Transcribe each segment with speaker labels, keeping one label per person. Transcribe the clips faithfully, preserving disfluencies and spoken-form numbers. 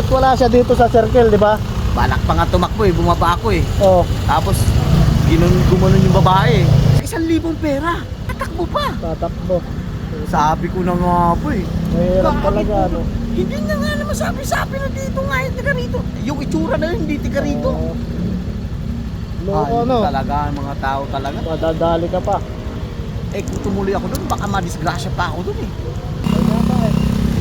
Speaker 1: Ba't wala siya dito sa circle, di ba?
Speaker 2: Balak pa nga tumakbo eh, bumaba ako eh.
Speaker 1: Oo.
Speaker 2: Tapos, ginon, gumanon yung babae eh. Sa isang libong pera, tatakbo pa.
Speaker 1: Tatakbo.
Speaker 2: Sabi ko na nga po eh.
Speaker 1: Mahirap
Speaker 2: Bakit
Speaker 1: talaga,
Speaker 2: po?
Speaker 1: ano?
Speaker 2: Hindi na nga naman sabi-sabi na dito nga yung tiga rito. Yung itsura na yun, hindi tiga rito.
Speaker 1: Oo. Loko,
Speaker 2: Ay,
Speaker 1: ano?
Speaker 2: talaga, mga tao talaga.
Speaker 1: Madadali ka pa.
Speaker 2: Eh kung tumuloy ako doon, baka madisgrasya pa ako doon eh.
Speaker 1: Ay, nga eh.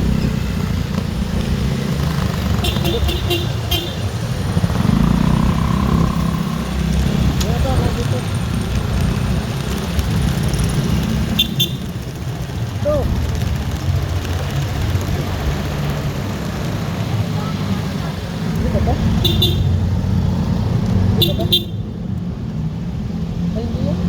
Speaker 1: Kaya ba, nandito? Ito. Hindi ba ba? Hindi ba ba? Ay, hindi yan.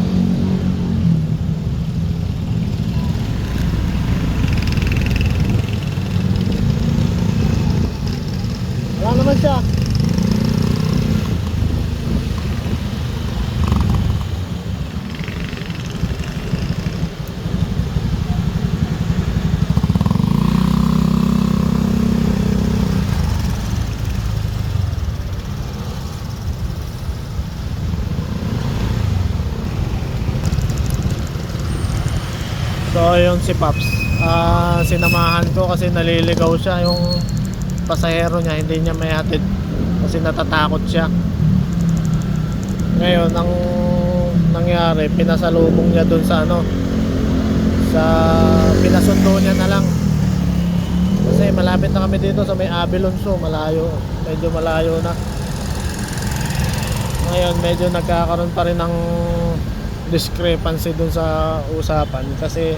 Speaker 1: Wala naman siya. So yun si Paps, ah sinamahan ko kasi naliligaw siya yung pasahero niya, hindi niya may hatid kasi natatakot siya. Ngayon ang nangyari, pinasalubong niya dun sa ano, sa pinasundo niya na lang kasi malapit na kami dito sa may Abilonso, malayo, medyo malayo na. Ngayon medyo nagkakaroon pa rin ng discrepancy dun sa usapan kasi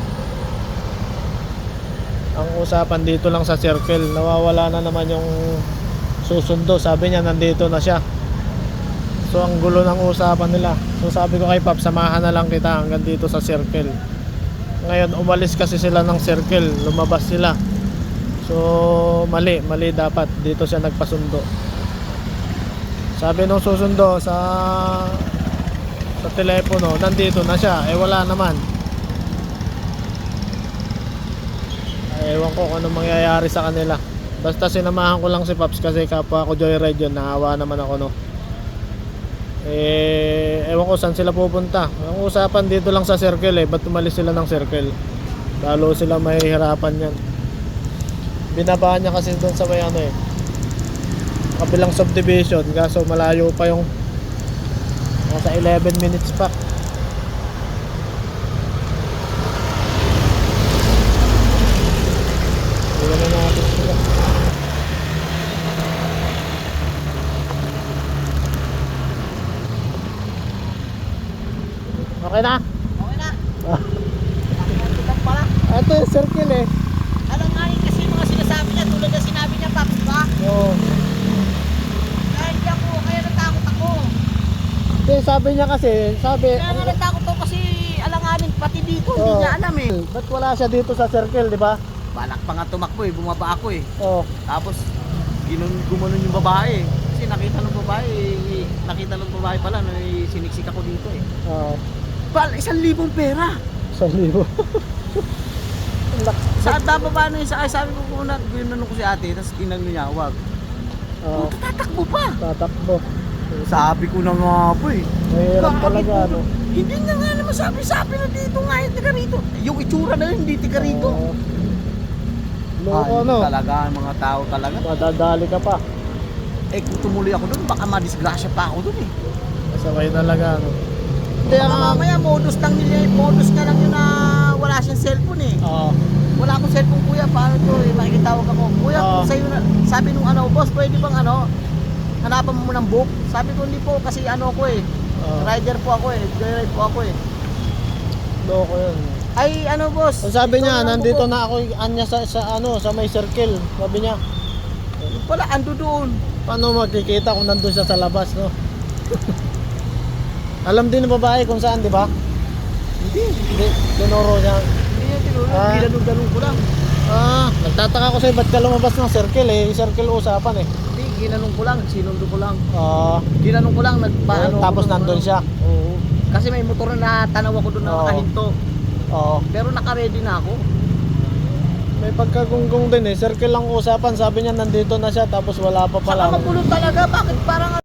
Speaker 1: ang usapan dito lang sa circle, nawawala na naman yung susundo. Sabi niya nandito na siya, so ang gulo ng usapan nila. So sabi ko kay Pap, samahan na lang kita hanggang dito sa circle. Ngayon umalis kasi sila ng circle, lumabas sila, so mali, mali dapat dito siya nagpasundo. Sabi nung susundo sa sa telepono, nandito na siya, eh wala naman. Ewan ko kung anong mangyayari sa kanila. Basta sinamahan ko lang si Paps kasi kapwa ko joyride yun, nahawa naman ako no. Eh ewan ko saan sila pupunta. Ang usapan dito lang sa circle eh, ba't tumalis sila ng circle? Lalo sila mahihirapan yan. Binabaan niya kasi doon sa may ano eh, kabilang subdivision, kaso malayo pa yung nasa eleven minutes pa. Wala na natin sila. Okay na?
Speaker 2: Okay na.
Speaker 1: Ah,
Speaker 2: Nakikita pala.
Speaker 1: ito yung circle eh.
Speaker 2: Alam nga rin kasi mga sinasabi niya, tulad na sinabi niya, Paps, ba?
Speaker 1: Oo.
Speaker 2: Kaya hindi ako, kaya natakot ako.
Speaker 1: Hindi, sabi niya kasi, sabi,
Speaker 2: Kaya nga natakot ako kasi alanganin pati dito, hindi
Speaker 1: Oo.
Speaker 2: niya alam eh.
Speaker 1: ba't wala siya dito sa circle, di ba?
Speaker 2: Balak pa nga tumakbo eh, bumaba ako eh.
Speaker 1: Oo.
Speaker 2: Tapos, ginon, gumanon yung babae eh. Kasi nakita ng babae, eh, nakita ng babae pala na eh, siniksik ako dito eh.
Speaker 1: Oo.
Speaker 2: Bal, isang libong pera.
Speaker 1: Sa libo. Ang lak-
Speaker 2: Sa bababa na yung sakay, sabi ko kung na, ginanong ko si ate, tapos ginano niya, wag.
Speaker 1: Oo.
Speaker 2: Puta, tatakbo pa.
Speaker 1: Tatakbo.
Speaker 2: Sabi ko na nga po eh.
Speaker 1: Mahirap
Speaker 2: Bakit
Speaker 1: talaga,
Speaker 2: po?
Speaker 1: ano?
Speaker 2: Hindi na nga naman sabi-sabi na dito nga yung tiga rito. Yung itsura na yun, hindi tiga rito.
Speaker 1: Oo. Loko,
Speaker 2: Ay,
Speaker 1: ano?
Speaker 2: talaga, mga tao talaga.
Speaker 1: Madadali ka pa.
Speaker 2: Eh kung tumuloy ako doon, baka madisgrasya pa ako doon eh.
Speaker 1: Masabay talaga, ano? Hindi,
Speaker 2: Baka
Speaker 1: ang...
Speaker 2: mamaya modus lang nila, modus na lang yun na wala siyang cellphone eh.
Speaker 1: Oo.
Speaker 2: Wala akong cellphone kuya, paano to eh, makikitawag ako. Kuya,
Speaker 1: Oo.
Speaker 2: kung sa'yo na, sabi nung ano, boss, pwede bang ano, hanapan mo ng book? Sabi ko hindi po kasi ano ko eh,
Speaker 1: Oo.
Speaker 2: rider po ako eh, joyride po ako eh.
Speaker 1: Loko yun.
Speaker 2: Ay ano boss,
Speaker 1: Ang sabi
Speaker 2: ito
Speaker 1: niya,
Speaker 2: ang
Speaker 1: nandito
Speaker 2: book.
Speaker 1: na ako anya sa, sa ano, sa may circle. Sabi niya,
Speaker 2: Yung pala, ando doon.
Speaker 1: paano magkikita kung nandun siya sa labas, no? Alam din ng babae kung saan, di ba?
Speaker 2: Hindi,
Speaker 1: Hindi, tinuro niya.
Speaker 2: hindi yan tinulog,
Speaker 1: Ah.
Speaker 2: ginanong-ganong ko lang.
Speaker 1: Ah, nagtataka ko sa'yo, ba't ka lumabas ng circle eh? Circle usapan eh.
Speaker 2: Hindi, ginanong ko lang, sinundo ko lang.
Speaker 1: Ah,
Speaker 2: Ginanong ko lang, nagpaano.
Speaker 1: tapos
Speaker 2: ko doon,
Speaker 1: nandun
Speaker 2: ano.
Speaker 1: siya.
Speaker 2: Oo. Kasi may motor na tanaw ako doon na
Speaker 1: Oo.
Speaker 2: nakahinto.
Speaker 1: Oo.
Speaker 2: Pero naka-ready na ako.
Speaker 1: May pagkagunggong din eh. Circle lang usapan. Sabi niya nandito na siya tapos wala pa pala.
Speaker 2: Saka magulo talaga. Bakit parang